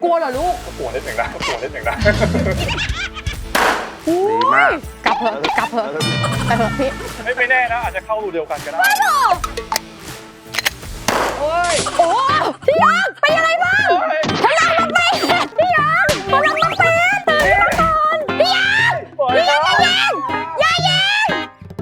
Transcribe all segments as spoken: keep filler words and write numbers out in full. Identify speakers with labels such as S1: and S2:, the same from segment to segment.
S1: ลัวเหรอลูก
S2: กลัวนิดหนึ่งนะกลัวนิดหนึ่งนะ
S1: ดีมากกลับเถอะกลับเถอะไปเถอะพี่
S2: ไม่ไม่แน่นะอาจจะเข้ารูเดียวกันก็ได้โอ้ย
S1: โอ้พี่ยังเป็นยังไงบ้างพลังมันเป็นพี่ยังพลังมันเป็นตื่นมาก่อนพี่ยังพี่ยังอย่ายิงอย่ายิง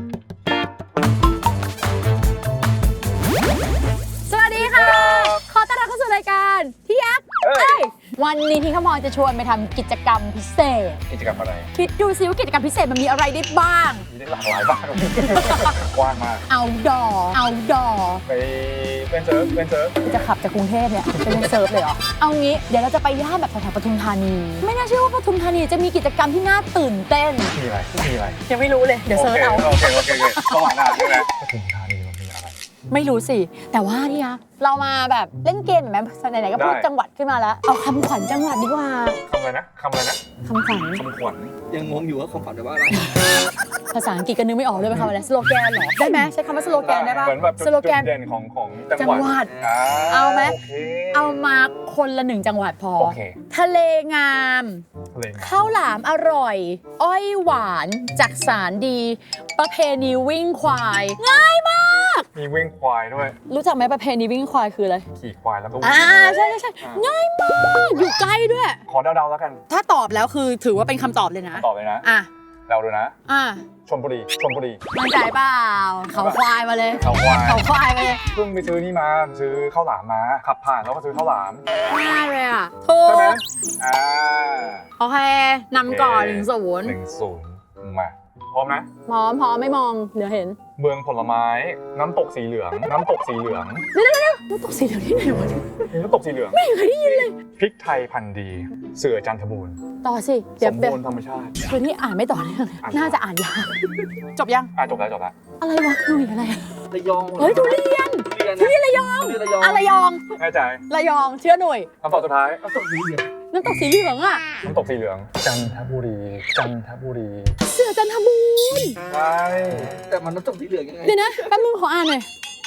S1: สวัสดีค่ะขอต้อนรับเข้าสู่รายการพี่ยักษ์วันนี้ที่ขมอจะชวนไปทำกิจกรรมพิเศษ
S2: กิจกรรมอะไร
S1: คิดดูซิว่ากิจกรรมพิเศษมันมีอะไรได้บ้าง
S2: มีได้หลากหลายบ้างกว้างมาก
S1: เอาดอเอาดอ
S2: ไปเล่นเซิร์ฟเล่นเซิร์ฟ
S1: จะขับจากกรุงเทพเนี่ยไปเล่นเซิร์ฟเลยเหรอเอางี้เดี๋ยวเราจะไปย่านแบบแถวๆปทุมธานีไม่น่าเชื่อว่าปทุมธานีจะมีกิจกรรมที่น่าตื่นเต้น
S2: มีอะไรมีอะไร
S1: ยังไม่รู้เลยเดี๋ยวเซิร์ชเอา
S2: โอเคโอเคโอเคเข้ามาหน้าใช่ไหมปทุมธานีมันมีอะไร
S1: ไม่รู้สิแต่ว่านี่นะเรามาแบบเล่นเกมไหมไหนๆก็พูดจังหวัดขึ้นมาแล้วเอาคำขวัญจังหวัดดีกว่า
S2: คำอะไรนะคำอะไรนะ
S1: คำขวัญ
S2: คำขวัญ
S3: ยังงงอยู่ว่าคำขวัญแปลว่าอะไร
S1: ภาษาอังกฤษก็นึกไม่ออกเลยเป็นคำอะไรสโลแกนเหรอได้ไหมใช้คำว่าสโลแกนได้ป่ะ
S2: เหมือนแบบ
S1: สโลแกน
S2: เด่นของของ
S1: จังหวัดเอาไหมเอามาคนละหนึ่งจังหวัดพอทะเลงามข้าวหลามอร่อยอ้อยหวานจักสารดีประเพณีวิ่งควายง่ายมาก
S2: มีวิ่งควายด้วย
S1: รู้จักไหมประเพณีวิ่งควายคืออะไร
S2: ขี่ควายแล้วก็วิ่ง
S1: อ่าใช่ใช่ใช่ง่ายมากอยู่ใกล้ด้วย
S2: ขอเดาๆแล้วกัน
S1: ถ้าตอบแล้วคือถือว่าเป็นคำตอบเลยนะ
S2: ตอบเลยนะ
S1: อ่ะ
S2: เดาดูนะ
S1: อ่ะ
S2: ชลบุรีชลบุรี
S1: มั่นใจเปล่าเขาควายมาเลย
S2: เขาควาย
S1: เขาควายมาเลย
S2: เพิ่งไปซื้อนี่มาซื้อข้าวหลามมาขับผ่านแล้วก็ซื้อข้าวหลาม
S1: ง่ายเลยอ่ะถูกใช่ไหม
S2: อ่า
S1: โอเคนำก่อนหนึ่งศูนย์
S2: หนึ่งศูนย์มาพร้อมนะ
S1: พร้อมพร้อมไม่มองเดี๋ยวเห็น
S2: เมืองผลไม้น้ำตกสีเหลืองน้ำตกสีเหลือง
S1: เดี๋ยวเดี๋ยวน้ำตกสีเหลืองที่ไหนวะ
S2: น้ำตกสีเหลือง
S1: ไม่เคยได้ยินเลย
S2: พริกไทยพันธุ์ดีเสือจันทบูรณ์
S1: ต่อสิ
S2: สมบูรณ์ธรรมชาติ
S1: คือที่อ่านไม่ต่อเนื่องน่าจะอ่านยากจบยัง
S2: อ่ะจบแล้วจบแล้ว
S1: อะไรวะหนุ่ยอะไร
S3: ระยอง
S1: เฮ้ยทุเรียนทุเรียนระยองอะไรยอง
S2: แน่ใจ
S1: ระยองเชื่อหน่วย
S2: คำตอบสุดท้าย
S3: น้ำตกสีเหลือง
S1: น้ำตกสีเหลืองอ่ะ
S2: น้ำตกสีเหลืองจันทบุรีจันทบุรี
S1: เสือจันทบูรณ์
S2: ใช่
S3: แต่มันน้ำตกสีเหลืองยังไง
S1: เดี๋ยวนะแป๊บนึงขออ่านหน่อย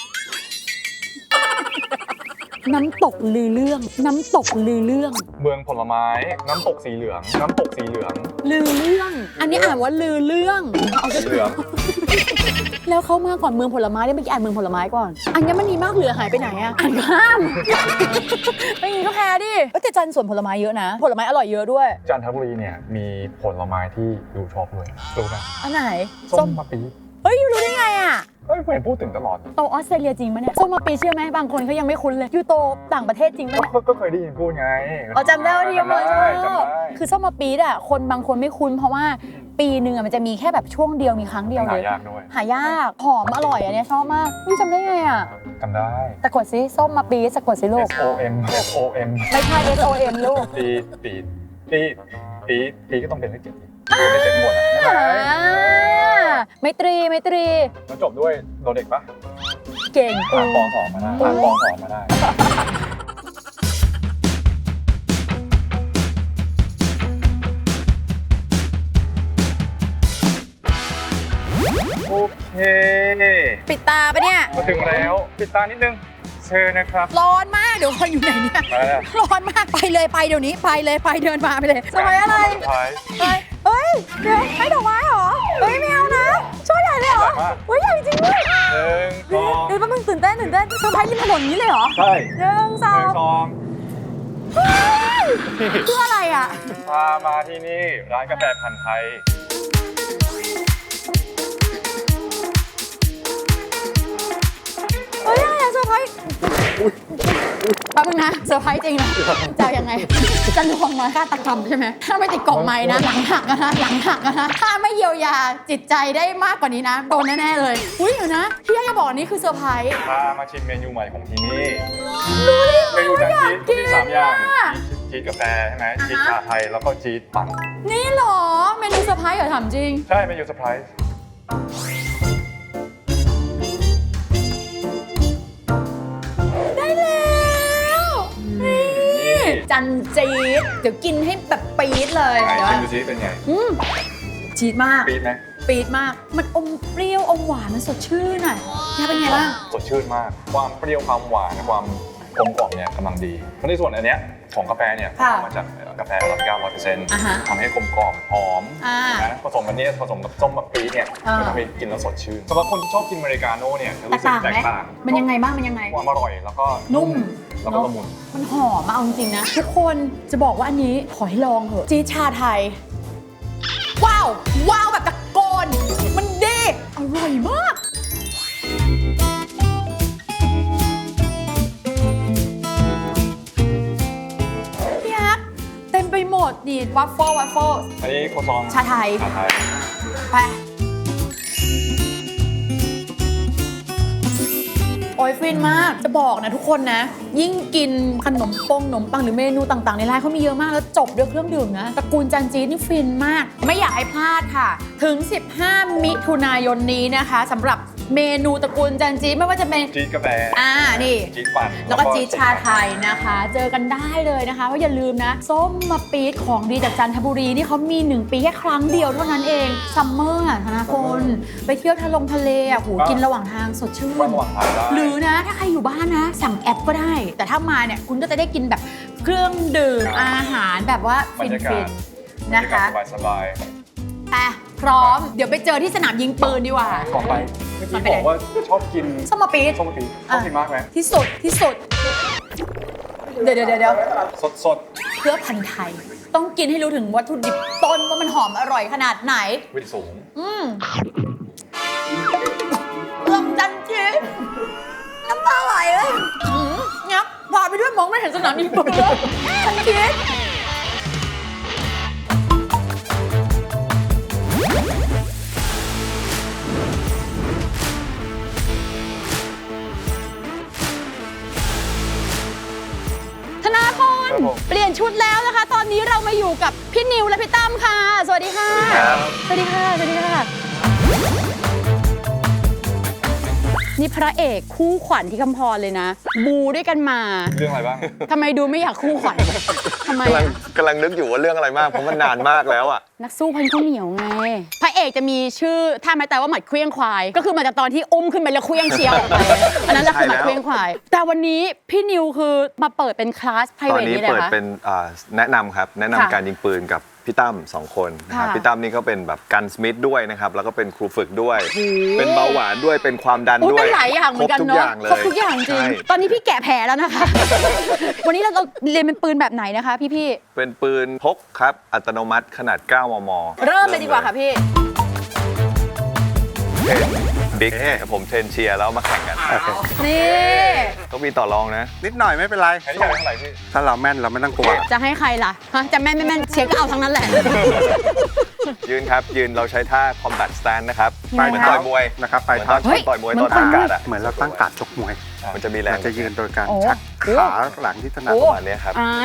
S1: น้ำตกลือเรื่องน้ำตกลือเรื่อง
S2: เมืองผลไม้น้ำตกสีเหลืองน้ำตกสีเหลือง
S1: ลือเรื่องอันนี้อ่านว่าลือเรื่อง
S2: เอาสีเหลือง
S1: แล้วเขามาก่อนเมืองผลไม้ได้เมื่อกี้อ่านเมืองผลไม้ก่อนอัญมณีมากเหลือหายไปไหนอะอ่านข้ามไม่งี้ก็แพ้ดิแต่จันทร์สวนผลไม้เยอะนะผลไม้อร่อยเยอะด้วย
S2: จันทบุรีเนี่ยมีผลไม้ที่ดูชอบด้วยรู้ไหม
S1: อันไหน
S2: ส้มมะปี๊ด
S1: เฮ้ยรู้ได้ไงอะ
S2: เฮ้ยเห็นพูดถึงตลอด
S1: โตออสเตรเลียจริงปะเนี่ยส้มมะปีเชื่อไหมบางคนเขายังไม่คุ้นเลยยูโตต่างประเทศจริงปะเนี่ย
S2: ก็เคยได้ยินพูดไง
S1: อ๋อจำได้ว่าที่มาคือส้มมะปีอ่ะคนบางคนไม่คุ้นเพราะว่าปีหนึ่งมันจะมีแค่แบบช่วงเดียวมีครั้งเดียวเลย
S2: หายากด้วย
S1: หายากหอมอร่อยอันนี้ชอบมากนี่จำได้ไงอ่ะ
S2: จำได้
S1: สะกดซิส้มมะปีสะกดซิลูก
S2: S O M S O M
S1: ไม่ใช่ S O M ลูก
S2: ปีปีปีปีปีก็ต้องเป็นเลขเจ็ดเลขเจ็ดหมดนะ
S1: ไมตรีไมตรี
S2: แล้วจบด้วยโดเด็กปะ
S1: เก่ง
S2: ผ่านปอสองมาได้ผ่านปอสองมาได้โอเค
S1: ปิดตาปะเนี่ย
S2: มาถึงแล้วปิดตานิดนึงเชิญนะครับ
S1: ร้อนมากเดี๋ยวคนอยู่ไหนเนี่ยร้อนมากไปเลยไปเดี๋ยวนี้ไปเลยไปเดินมาไปเลยสมัยอะไรไปเฮ้ยเดี๋ยวให้ดอกไม้เหรอเฮ้ยไม่เอานะช่วยใหญ่เลยเหรอเฮ้ยใหญ่จริงด้วย
S2: หนึ่งสอง
S1: เดี๋ยวแป๊บนึงตื่นเต้นตื่นเต้นเซอร์ไพรส์ริมถนนนี้เลยเหรอ
S2: ใช่
S1: หนึ่งสองเพื่ออะไรอ่ะ
S2: พามาที่นี่ร้านกาแฟพันธุ์ไทย
S1: เฮ้ยอะไรอะเซอร์ไพรส์แป๊บนึงนะเซอร์ไพรส์จริงนะจะยังไงจะลวงมาฆาตกรรมใช่ไหมถ้าไม่ติดกล่องไม้นะหลังหักนะหลังหักนะถ้าไม่เยียวยาจิตใจได้มากกว่านี้นะโดนแน่ๆเลยอุ้ยเดี๋ยวนะพี่ยังจะบอกนี่คือเซอร์ไพรส์
S2: พามาชิมเมนูใหม่ของที่นี่เมนูจันชีสมีสามอย่างชีสกาแฟใช่ไหมชีสชาไทยแล้วก็ชีสปั่น
S1: นี่หรอเมนูเซอร์ไพรส์เหรอถามจริง
S2: ใช่เมนูเซอร์ไพรส์
S1: จันจี๊ดเดี๋ยวกินให้แบบปี๊ดเลย
S2: เดี๋ยวชิมดูจี๊ดเป็นไง
S1: จี๊ดมาก
S2: ปี๊ดไหม
S1: ปี๊ดมากมันอมเปรี้ยวอมหวานมันสดชื่นอ่ะนี่เป็นไงบ้าง
S2: สดชื่นมากความเปรี้ยวความหวานความกลมกล่อมเนี่ยกำลังดีในส่วนอันเนี้ยของกาแฟเนี่ย
S1: ค่ะ
S2: ทำมาจากกาแฟอาราบิก้า ร้อยเปอร์เซ็นต์
S1: อ่าฮะ
S2: ทำให้กลมกล่อมหอม
S1: อ่า
S2: นะผสมกันเนี่ยผสมกับส้มมะปี๊ดเนี่ย
S1: อ่า
S2: จะทำให้กินแล้วสดชื่นสำหรับคนที่ชอบกินอเมริกาโน่เนี่ยจะ
S1: แตก
S2: รู้สึก
S1: ต่าง
S2: แต
S1: ไหม
S2: กต่าง
S1: มันยังไงบ้างมันยังไง
S2: ความอร่อยแล้วก็
S1: นุ่ม
S2: แล้วก็ละมุน
S1: มันหอมมาเอาจริงๆนะ ทุกคนจะบอกว่าอันนี้ขอให้ลองเถอะจี๊ดชาไทย ว้าว ว้าวแบบตะโกน มันดีอร่อยมาก พี่ฮักเต็มไปหมดดีวัฟเฟิลวัฟเฟิล
S2: อันนี้โคซอง
S1: ชาไทย
S2: ชาไทย
S1: ไป โอ้ยฟินมาก จะบอกนะทุกคนนะ ยิ่งกินขนมปงขนมปังหรือเมนูต่างๆ ในร้านเขามีเยอะมากแล้วจบด้วยเครื่องดื่มนะตระกูลจันจีนี่ฟินมาก ไม่อยากให้พลาดค่ะ ถึง สิบห้า มิถุนายนนี้นะคะสำหรับเมนูตระกูลจันจีไม่ว่าจะเป็น
S2: จี๊ดกาแฟ
S1: อ่านี่
S2: จี๊ดปั่น
S1: แล้วก็จี๊ดชาไทยนะคะ เจอกันได้เลยนะคะเพราะอย่าลืมนะ ส้มมะปี๊ดของดีจากจันทบุรีนี่เขามีหนึ่งปีแค่ครั้งเดียวเท่านั้นเองซัมเมอร์อ่ะธนาพลไปเที่ยวทะลงทะเลอ่ะโหกินระหว่างทางสดชื่
S2: ว่าน ระหว่างทางได้
S1: หรือนะถ้าใครอยู่บ้านนะ สั่งแอปก็ได้ แต่ถ้ามาเนี่ยคุณก็จะได้กินแบบเครื่องดื่มอาหารแบบว่า
S2: บร
S1: ฟิ
S2: ร
S1: น
S2: ยากา
S1: ฟิ
S2: ศ
S1: น
S2: บร
S1: นะ
S2: รยากา
S1: คะ
S2: ศสบาย
S1: อ่ะพร้อมเดี๋ยวไปเจอที่สนามยิงปืนดีกว่า
S2: ๆต่อไปเมื่อกี้บอกว่าชอบกิน
S1: ส้มมะปี๊ด
S2: ส้มมะปี๊ดชอบกินมากไหม
S1: ที่สุดที่สุด เดี๋ยวเดี๋ยวเดี๋ยว
S2: สดสด
S1: เพื่อพันธุ์ไทย ต้องกินให้รู้ถึงวัตถุดิบต้นว่ามันหอมอร่อยขนาดไหน
S2: ๆวิตสูง
S1: อืมเอื้อมจันจีน้ำตาไหลเลยอืมงับพาไปด้วยมองไม่เห็นสนามยิงปืนเลยจันจีธนาพลเปลี่ยนชุดแล้วนะคะ ตอนนี้เรามาอยู่กับพี่นิวและพี่ตั้มค่ะ สวัสดีค่ะ สวัสดีค่ะ สวัสดีค่ะ นี่พระเอกคู่ขวัญที่คำพรเลยนะ บูด้วยกันมา
S2: เรื่องอะไรบ้าง
S1: ทำไมดูไม่อยากคู่ขวัญทำไม
S4: กำลัง
S1: อะ
S4: กำลังนึกอยู่ว่าเรื่องอะไรมาก เพราะมันนานมากแล้วอ่ะ
S1: นักสู้พันข้าวเหนียวไง พระเอกจะมีชื่อท่าไม้ตายว่าหมัดเคลี้ยงควาย ก็คือมาจากตอนที่อุ้มขึ้นไปแล้วเคลี้ยงเชียวออกไปอันนั้นแหละคือหมัดเคลี้ยงควาย แต่วันนี้พี่นิวคือมาเปิดเป็นคลาสไพร
S4: ตอ
S1: เวน ท
S4: นี้
S1: นี่เลย
S4: เปิด
S1: คะ
S4: เป็นอ่าแนะนำครับ แนะนำ
S1: ค่ะ
S4: การยิงปืนกับพี่ตั้มสองคนนะครับ
S1: ค่ะ
S4: พี่ตั้มนี่ก็เป็นแบบกันสมิธด้วยนะครับ แล้วก็เป็นครูฝึกด้วย เป็นเบาหวานด้วย เป็นความดัน
S1: โอ้
S4: ด้วย
S1: เป็นหลายอย่างเหมือนกัน
S4: ครบทุก
S1: เนาะ
S4: อย่างเลย
S1: ครบทุกอย่างจริง
S4: ใช่
S1: ตอนนี้พี่แกะแผลแล้วนะคะ วันนี้เราเราเรียนเป็นปืนแบบไหนนะคะพี่พี่
S4: เป็นปืนพกครับ อัตโนมัติขนาด เก้ามม
S1: ๆเริ่มเลยดีกว่าค่ะพี่
S4: เทรนบิ๊กผมเทรนเชียร์แล้วมาแข่งกัน
S1: นี่
S4: ต้องมีต่อรองนะ
S5: นิดหน่อยไม่เป็นไร
S2: อันนี้อยากได้เท่าไหร่พี่
S5: ถ้าเราแม่นเราไม่ต้องกลัว
S1: จะให้ใครล่ะฮะจะแม่นไม่แม่นเชียร์ก็เอาทั้งนั้นแหละ
S4: ยืนครับ ยืนเราใช้ท่า combat stand นะครับ
S1: ไป
S4: เหมือน
S1: เท้า
S4: ต่อยมวย
S5: นะครับไป
S4: เหมือน
S5: เท้า
S4: ตอนต่อยมวยตอนตั้งการ์ดอะ
S5: เหมือนเราตั้งการ์ดชกมวย
S4: มันจะมีแรง
S5: เราจะยืนโดยการ
S1: โอ้
S5: ชัก
S1: โอ้
S5: ขาหลังที่ถนัด
S1: โอ้
S4: ประมาณนี้ครับ
S1: อ่า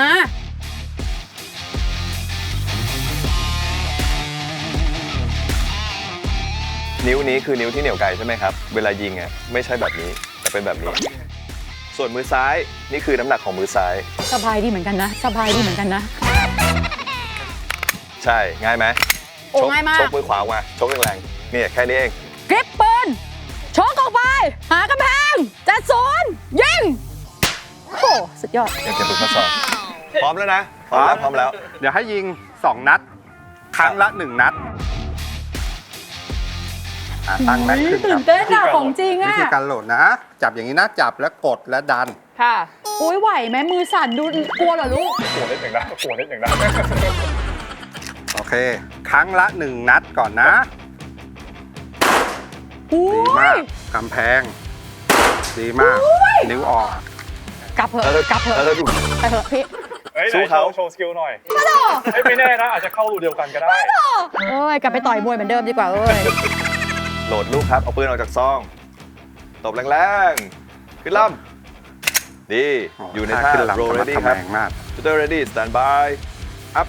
S4: นิ้วนี้คือนิ้วที่เหนี่ยวไกลใช่ไหมครับ เวลายิงอ่ะไม่ใช่แบบนี้แต่เป็นแบบนี้ ส่วนมือซ้ายนี่คือน้ำหนักของมือซ้าย
S1: สบายดีเหมือนกันนะ สบายดีเหมือนกันนะ
S4: ใช่ง่ายไหม
S1: โอ้
S4: ชก
S1: ง่ายมาก
S4: ชกมือขวาออกมาชกแรงๆนี่แค่นี้เอง
S1: กริปปืนชกออกไป หากำแพงจัดโซนยิง โอ้โหสุดยอด
S4: อยากจะฝึกทดสอบพร้อมแล้วนะพร้อมแล้วพร้อมแล้ว
S5: เดี๋ยวให้ยิงสองนัด ครั้งละหนึ่งนัดอ่ะตั้งแม็กขึ้นค
S1: ตื่
S5: รั
S1: น
S5: บ
S1: เต้นอะของจริง
S5: วิ
S1: อะ
S5: ธีการโหลดนะ จับอย่างนี้นะ จับแล้วกดและดัน
S1: ค่ะโอ้ยไหวไหมมือสั่นดูกลัวเหรอลูก
S2: ปวดนิดหนึ่งนะปวดนิดหนึ่งนะ
S5: โอเค ครั้งละหนึ่งนัดก่อนนะ
S1: โอ้
S5: ดีมาย กกำแพง ดีมาก นิ้วออก
S1: กลับเถ
S4: แล้ว
S1: อะกลับเถอะ
S4: แล้วดู
S1: ไปเถอะพี่
S2: เฮ้ย
S4: สู้เขา
S2: โชว์สกิลหน่อยเฮ้ยไม่แน่นะอาจจะเข้ารูเดียวกันก็ได้
S1: เอ้ยกลับไปต่อยมวยเหมือนเดิมดีกว่าเอ้ย
S4: โหลดลูกครับเอาปืนออกจากซองตบแรงๆขึ้นลำดีอยู่ในท่า
S5: ขึ้นหลัง
S4: roll
S5: สมรร
S4: ready
S5: ถ
S4: ครับ
S5: แรงมาก
S4: shooter ready stand by up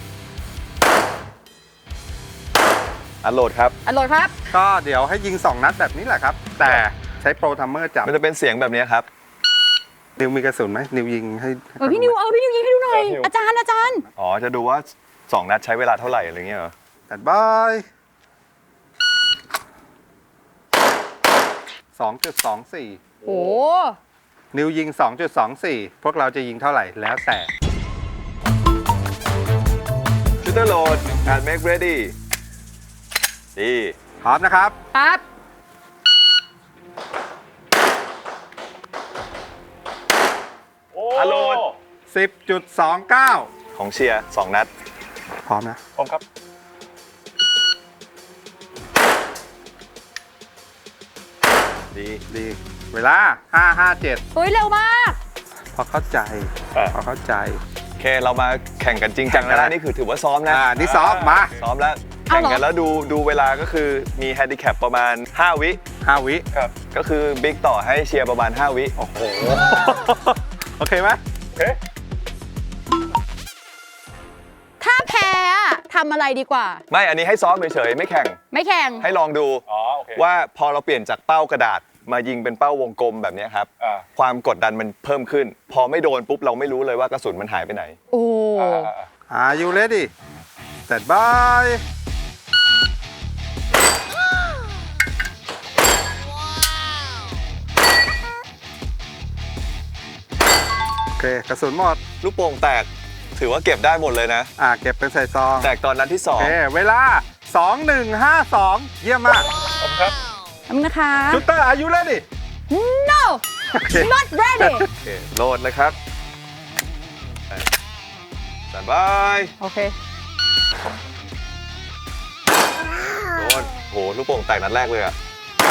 S4: อันโหลดครับ
S1: อร่อยครับ
S5: ก็เดี๋ยวให้ยิงสองนัดแบบนี้แหละครับ แต่ใช้โปรทัมเมอร์จับ
S4: มันจะเป็นเสียงแบบนี้ครับ
S5: นิวมีกระสุนไหมนิวยิงให้ให้
S1: เออพี่นิวเออพี่นิวยิงให้ดูหน่อย
S2: เออนิว
S1: อาจารย์อาจารย์
S4: อ๋อ จะดูว่า สอง นัดใช้เวลาเท่าไหร่อะไรเงี้ยเหรอ
S5: แต่บายสองจุดสองสี่
S1: โอ้
S5: นิวยิง สองจุดสองสี่ พวกเราจะยิงเท่าไหร่แล้วแต่
S4: shooter load and make ready ดี
S5: พร้อมนะครับ
S1: ครับ
S2: โอ้
S4: อโลด
S5: สิบจุดสองเก้า
S4: ของเชียร์สองนัด
S5: พร้อมนะ
S2: ผมครับ
S4: ดี
S5: ดี เวลา ห้า ห้า เจ็ด
S1: เฮ้ย เร็วมาก
S5: พอเข้าใจ
S2: อ่ะ
S5: พอเข้าใจ
S4: โอเค เรามาแข่งกันจริงจังแล้ว
S5: แข่งกั
S4: นะ
S5: น
S4: นี่คือถือว่าซ้อมนะ
S5: อ่า นี่ซ้อมมา
S4: ซ้อมแล้ว
S1: เอา
S4: แข่ง
S1: เหรอ
S4: กันแล้วดูดูเวลาก็คือมีแฮนดิแคปประมาณ ห้า วิ
S5: ห้าวิ
S2: ครับ
S4: ก็คือบิ๊กต่อให้เชียร์ประมาณ ห้า วิ
S5: โอ้โห โอเคไหม
S2: โอเค
S1: ถ้าแพ้อะทำอะไรดีกว่า
S4: ไม่อันนี้ให้ซ้อมเฉยๆไม่แข่ง
S1: ไม่แข่ง
S4: ให้ลองดู
S2: อ๋อ โอเค
S4: ว่าพอเราเปลี่ยนจากเป้ากระดาษมายิงเป็นเป้าวงกลมแบบนี้ครับ
S2: อ่า
S4: ความกดดันมันเพิ่มขึ้น พอไม่โดนปุ๊บเราไม่รู้เลยว่ากระสุนมันหายไปไหน
S1: โอ้
S2: อ่าอ่าอ่า
S5: Are you ready Stand by โอเค กระสุนหมด
S4: ลูกโป่งแตกถือว่าเก็บได้หมดเลยนะ
S5: อ่า เก็บเป็นใส่ซอง
S4: แตกตอนนัดที่สอ
S5: โอง เค เวลา สอง หนึ่ง ห้า สอง เยี่ยมมาก
S2: ผมครับ
S1: ทำนะคะ
S5: ชูเตอร์ Are you ready
S1: no
S5: โอเค
S1: not ready
S4: โอเคโหลดเลยครับสบาย
S1: โอเค
S4: โดนโหลูกโป่งแตกนัดแรกเลยอะ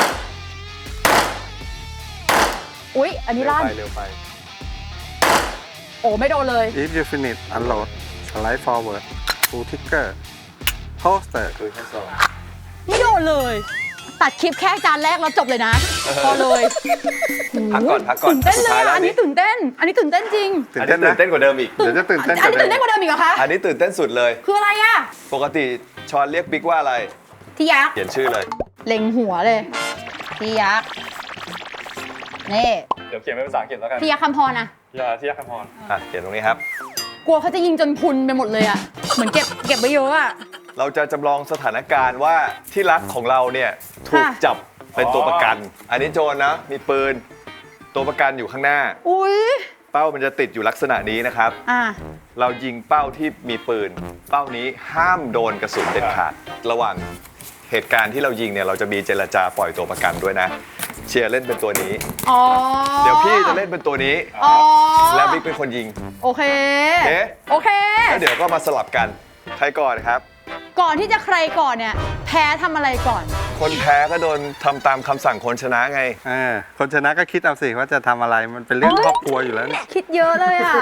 S1: อุ๊ย อันนี้
S4: เร็ว
S1: ลั่น
S4: ไปเร็วไป
S1: โอ้ไม่โดนเลย
S5: If you finish unload slide forward pull trigger holster
S4: คือแค่สอง
S1: ไม่โดนเลย ตัดคลิปแค่จานแรกแล้วจบเลยนะ พอเลย
S4: พักก่อนพักก่อน
S1: ตื่นเต้นเลย
S4: สุดท้ายแล้ว
S1: อ่ะอันนี้ตื่นเต้น อันนี้ตื่นเต้นจริง
S5: ตื่
S4: อั
S5: น
S4: น
S5: เต้
S4: นี้
S5: น
S4: ตื่นเต้นกว่าเดิมอีก
S5: เดี๋ยวจะตื่น
S1: อั
S5: เต้น
S1: น
S5: กว่า
S1: นี้
S5: เดิ
S1: ตื่นเต้น
S5: ม
S1: กว่าเดิมอีกเหรอคะ
S4: อันนี้ตื่นเต้นสุดเลย
S1: คืออะไรอ่ะ
S4: ปกติชอนเรียกบิ๊กว่าอะไร
S1: ที่ยักษ์
S4: เขียนชื่อเลย
S1: เล็งหัวเลย ที่ยักษ์นี่
S2: เดี๋ยวเขียนเป็นภาษาอังกฤษแล้วกัน
S1: ที่ยักษ์คำพรนะ
S2: ยาที่ยักษ์คำพร
S4: อ่ะเขียนตรงนี้ครับ
S1: กลัวเขาจะยิงจนพุนไปหมดเลยอ่ะ เหมือนเก็บเก็บไว้เยอะอ่ะ
S4: เราจะจำลองสถานการณ์ว่าที่รักของเราเนี่ยถูก
S1: ค่ะ
S4: จับเป็นตัวประกัน อันนี้โจรนะ มีปืน ตัวประกันอยู่ข้างหน้า
S1: อุ้ย
S4: เป้ามันจะติดอยู่ลักษณะนี้นะครับ
S1: อ่ะ
S4: เรายิงเป้าที่มีปืน เป้านี้ห้ามโดนกระสุนเด็ดขาด ระหว่างเหตุการณ์ที่เรายิงเนี่ยเราจะมีเจรจาปล่อยตัวประกันด้วยนะ เชียร์เล่นเป็นตัวนี้
S1: อ๋อ
S4: เดี๋ยวพี่จะเล่นเป็นตัวนี้
S1: อ๋อ
S4: แล้วบิ๊กเป็นคนยิง
S1: โอเค
S4: เอ๊ะ
S1: โอเค
S4: แล้วเดี๋ยวก็มาสลับกัน ใครก่อนครับ
S1: ก่อนที่จะใครก่อนเนี่ย แพ้ทำอะไรก่อน
S4: คนแพ้ก็โดนทำตามคำสั่งคนชนะไง
S5: เออคนชนะก็คิดเอาสิว่าจะทำอะไร มันเป็นเรื่อง
S1: เอ้ย
S5: ครอบครัวอยู่แล้วเนี่ย
S1: คิดเยอะเลยอ่ะ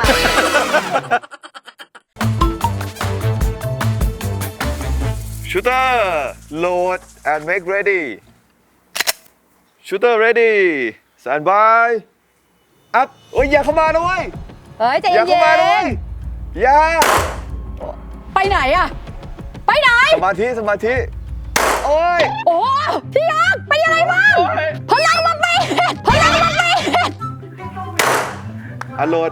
S4: Shooter load and make ready Shooter ready stand by up โอ้ยอย่าเข้ามานะเว้ย
S1: เฮ้ยใจ
S4: อย่า
S1: เย็
S4: เข้ามานะเว้
S1: น
S4: ยอย่า
S1: ๆไปไหนอ่ะ ไปไหน
S4: สมาธิสมาธิโอ้ย
S1: โอ้พี่ยักษ์เป็นยังไงบ้างพลังมาเป็นพลังมาเป็น
S4: อันโหลด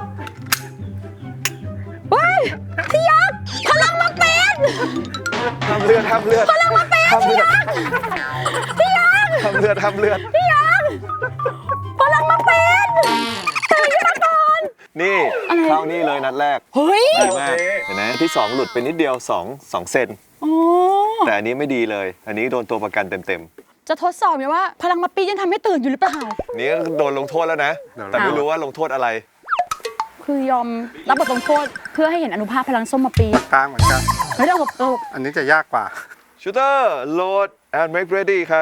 S1: เฮ้ยพี่ยักษ์พลังมาเป็น
S4: ทำเลือดทำเลือด
S1: พลังมาเป็น
S4: ทำเลือด
S1: พี่ยักษ์
S4: ทำเลือดทำเลือด
S1: พี่ยักษ์พลังมาเป็นตื่นขึ้นมาก่อน
S4: นี่เข้านี่เลยนัดแรก
S1: เฮ้ย
S4: ดีมากเห็นไหมที่สองหลุดไปนิดเดียวสองสองเซน
S1: โอ้
S4: แต่อันนี้ไม่ดีเลย อันนี้โดนตัวประกันเต็ม
S1: จะทดสอบไหมว่า พลังมาปียังทำให้ตื่นอยู่หรือเปล่า
S4: ๆนี่ก็โดนลงโทษแล้วนะ แต่ไม่รู้ว่าลงโทษอะไร
S1: คือยอมรับบทลงโทษเพื่อให้เห็นอนุภาพพลังส้มมาปี
S5: กลางเหมือนกัน
S1: เฮ้ยเราแบบเออ
S5: อันนี้จะยากกว่า
S4: Shooter load and make ready ครับ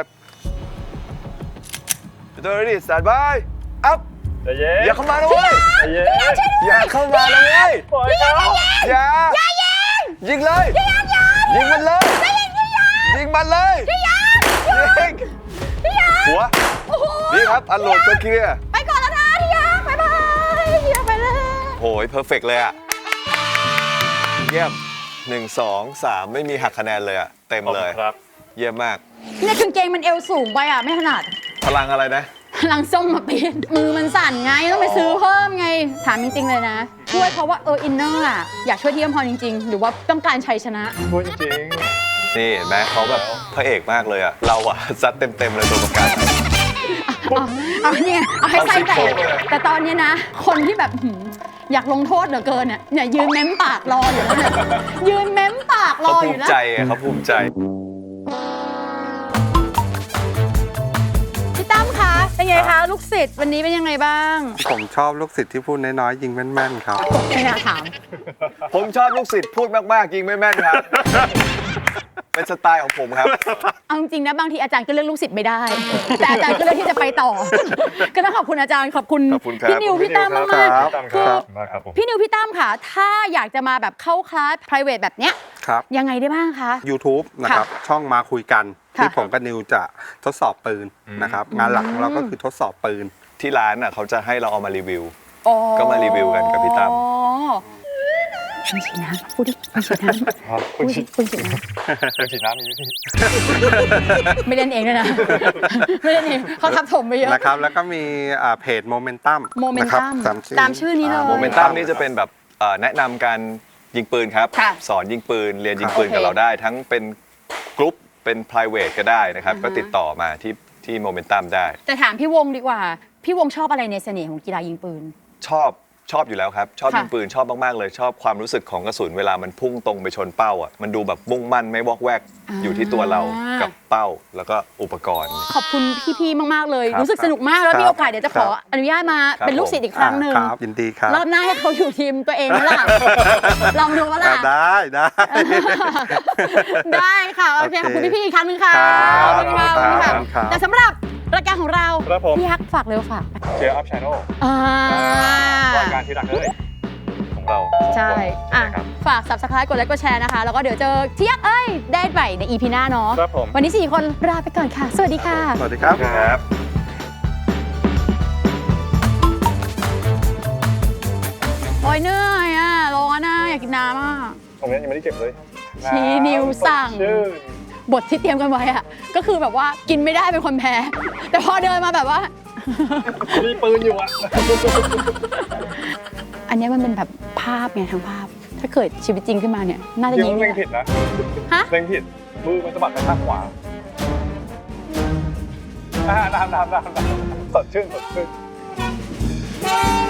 S4: Shooter ready stand by up
S2: ใจเย็น
S4: อย่าเข้ามานะเว้ย
S2: ใจเย็น
S4: อย่าเข้ามานะเว้ย
S2: ปล่อยเขา
S4: อย่ายิงเลยยิงมันเลยยิงมันเลยยิงหัวนี่ครับอันโหลดก็เคลียร์
S1: ไปก่อนแล้วนะพี่ยักษ์บ๊ายบายพี่ยักษ์ไปเลย
S4: โหยเพอร์เฟกเลยอะเยี่ยมหนึ่งสองสามไม่มีหักคะแนนเลยอะเต็มเลย
S2: ครับ
S4: เยี่ยมมาก
S1: เนี่ยกางเกงมันเอวสูงไปอ่ะไม่ถนัด
S4: พลังอะไรนะ
S1: พลังส้มมาปีนมือมันสั่นไงต้องไปซื้อเพิ่มไงถามจริงๆเลยนะช่วยเพราะว่าเอออินเนอร์อ่ะอยากช่วยที่อำพรจริงๆ หรือว่าต้องการชัยชนะ
S2: พูดจริง
S4: นี่เห็นไหมเขาแบบพระเอกมากเลยอะเราอะ ซัดเต็มๆเลยตัวประกัน
S1: เอาเอาเนี่ยเอาให้ไส้แต
S4: เอา
S1: ก
S4: สิโครงเลย
S1: แต่ตอนนี้นะ คนที่แบบหืมอยากลงโทษเหลือเกินเนี่ยเนี่ยยืนเม้มปากรออยู่แล้วเนี่ยยืนเม้มปาก
S4: เขาภู
S1: อยู่
S4: มิ
S1: นะ
S4: ใจไงเขาภูมิใจ
S1: พี่ตั้มคะเป็นไงคะลูกศิษย์วันนี้เป็นยังไงบ้าง
S5: ผมชอบลูกศิษย์ที่พูดน้อยๆยิงแม่นๆครับ
S1: ไม่น่าถาม
S4: ผมชอบลูกศิษย์พูดมากๆยิงไม่แม่นครับ เป็นสไตล์ของผมครับ
S1: เอาจริงๆนะบางทีอาจารย์ก็เลือกลูกศิษย์ไม่ได้ แต่อาจารย์ก็เลือกที่จะไปต่อ ก็ต้องขอบคุณอาจารย์ขอบคุณ
S4: ขอบคุณครับ
S1: พี่นิวพี่ตั้มมาก
S5: ครับ
S2: พี่ตั้ม
S1: ๆ
S2: ค
S1: คื
S2: รั
S1: อบ
S2: มากครับผม
S1: พี่นิวพี่ตั้มค่ะ ถ้าอยากจะมาแบบเข้าคลาส private แบบเนี้ย
S5: ครับ
S1: ยังไงได้บ้างคะ
S5: YouTube นะครับ ช่องมาคุยกัน
S1: ค่ะ
S5: ที่ผมกับนิวจะทดสอบปืนนะครับ งานหลักของเราก็คือทดสอบปืน
S4: ที่ร้านน่ะเขาจะให้เราเอามารีวิว
S1: อ๋อ
S4: ก็มารีวิวกันกับพี่ตั้ม
S1: อ๋อคุณฉีดน้ำพูดดิคุณฉีดน้ำ
S2: ครับ
S1: คุณฉีดคุณฉีดน้
S2: คุณฉีดน้ำมีวิธี
S1: ำไม่เล่นเองด้วยนะ ไม่เล่นเองเขาทับถมไปเยอะ
S5: นะครับ แล้วก็มีอ่าเพจโมเมนตัม
S1: Momentum ตามชื่อนี้เลย
S4: โมเมนตัมนี่จะเป็นแบบเอ่อแนะนำการยิงปืนครับ
S1: ค่ะ
S4: สอนยิงปืน เรียนยิงปืน
S1: โอเค
S4: กับเราได้ ทั้งเป็นกรุ๊ปเป็น private ก็ได้นะครับ
S1: อ่าฮะ
S4: ก็ติดต่อมาที่ที่โมเมนตัมได้
S1: แต่ถามพี่วงดีกว่า พี่วงชอบอะไรในเสน่ห์ของกีฬายิงปืน
S4: ชอบชอบอยู่แล้วครับ ชอบ
S1: ค่ะ
S4: ยิงปืนชอบมาก ๆ เลย ชอบความรู้สึกของกระสุนเวลามันพุ่งตรงไปชนเป้าอ่ะมันดูแบบมุ่งมั่นไม่วอกแวก
S1: อ่า
S4: อยู่ที่ตัวเรากับเป้าแล้วก็อุปกรณ์
S1: ขอบคุณพี่ๆ มาก ๆ เลย
S4: ครับ
S1: รู้สึกสนุกมากแล้ว
S5: ครับ
S1: มีโอกาสเดี๋ยวจะขอ
S5: ครับ
S1: อนุญาตมา
S4: ครับ
S1: เป็นลูกศิษย์อีกครั้งหนึ่ง
S5: อ่าครับยินดีครับ
S1: รอบหน้าให้เขาอยู่ทีมตัวเองไหมล่ะ ลองดูว่าล่ะ
S5: อ่าได้ได้
S1: ได้ค่ะ โอเค ขอบคุณพี่ๆ อีกครั้งหนึ่งค่ะ
S5: ครับ
S1: ขอบคุณค่ะขอบคุณ
S5: ครั
S1: ค่ะ
S5: บครับ
S1: แต่สำหรับรายการของเรา
S2: ครับผม
S1: พี่ฮักฝากเร็วฝาก
S2: เชียร์อัพชานอล
S1: อ่าร
S2: ายการที่รักเลยของเรา
S1: ใช่
S2: ใช่
S1: อ่ะ
S2: ครับ
S1: ฝาก subscribe กดไลค์กดแชร์นะคะ แล้วก็เดี๋ยวเจอเที่ยงเอ้ย ได้ใหม่ใน อี พี หน้าเนาะ
S2: ครับผม
S1: วันนี้สี่คนลาไปก่อนค่ะ สวัสดีค่ะ
S5: สวัสดีครับ
S4: ครับ
S1: โอ้ยเหนื่อยอ่ะ ร้อนอ่ะ อยากกินน้ำอ่ะ
S2: ตรงนี้ยังไม่ได้เก็บเลย
S1: ชี้นิ้วสั่ง
S2: ชื่น
S1: บทที่เตรียมกันไว้อะก็คือแบบว่ากินไม่ได้เป็นคนแพ้ แต่พอเดินมาแบบว่า
S2: มีปืนอยู่อ่ะ
S1: อันเนี้ยมันเป็นแบบภาพไงทั้งภาพ ถ้าเกิดชีวิตจริงขึ้นมาเนี่ย น่าจะ
S2: ยิ
S1: ยิ
S2: ง
S1: ง
S2: เล็ง
S1: ได้
S2: ผิดนะ
S1: ฮะ
S2: เล็งผิดมือมันสะบัดไปข้างขวาอ่าน้ำน้ำน้ำน้ำสดชื่นสดชื่น